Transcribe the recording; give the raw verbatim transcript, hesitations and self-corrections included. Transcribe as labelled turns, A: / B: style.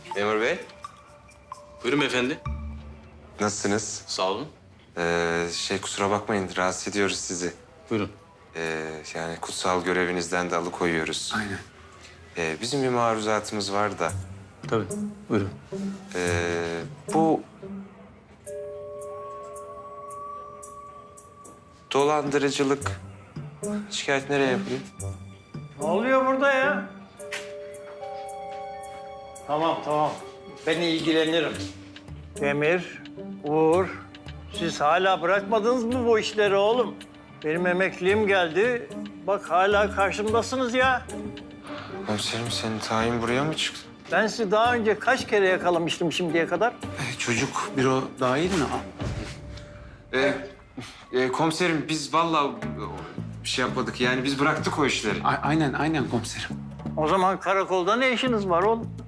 A: Memur Bey,
B: Buyurun efendi.
A: nasılsınız?
B: Sağ olun.
A: Ee, şey kusura bakmayın, rahatsız ediyoruz sizi.
B: Buyurun.
A: Ee, yani kutsal görevinizden de alıkoyuyoruz.
B: Aynen.
A: Ee, bizim bir maruzatımız var da.
B: Tabii. Buyurun.
A: Ee, bu... Dolandırıcılık şikayet nereye yapayım?
C: Ne oluyor burada ya? Tamam, tamam. Ben ilgilenirim. Demir, Uğur, siz hala bırakmadınız mı bu işleri oğlum? Benim emekliliğim geldi. Bak hala karşımdasınız ya.
A: Komiserim senin tayin buraya mı çıktı?
C: Ben sizi daha önce kaç kere yakalamıştım şimdiye kadar?
A: Ee, çocuk büro dahil mi? Ee, e, komiserim biz vallahi bir şey yapmadık yani biz bıraktık o işleri.
D: A- aynen, aynen komiserim.
C: O zaman karakolda ne işiniz var oğlum?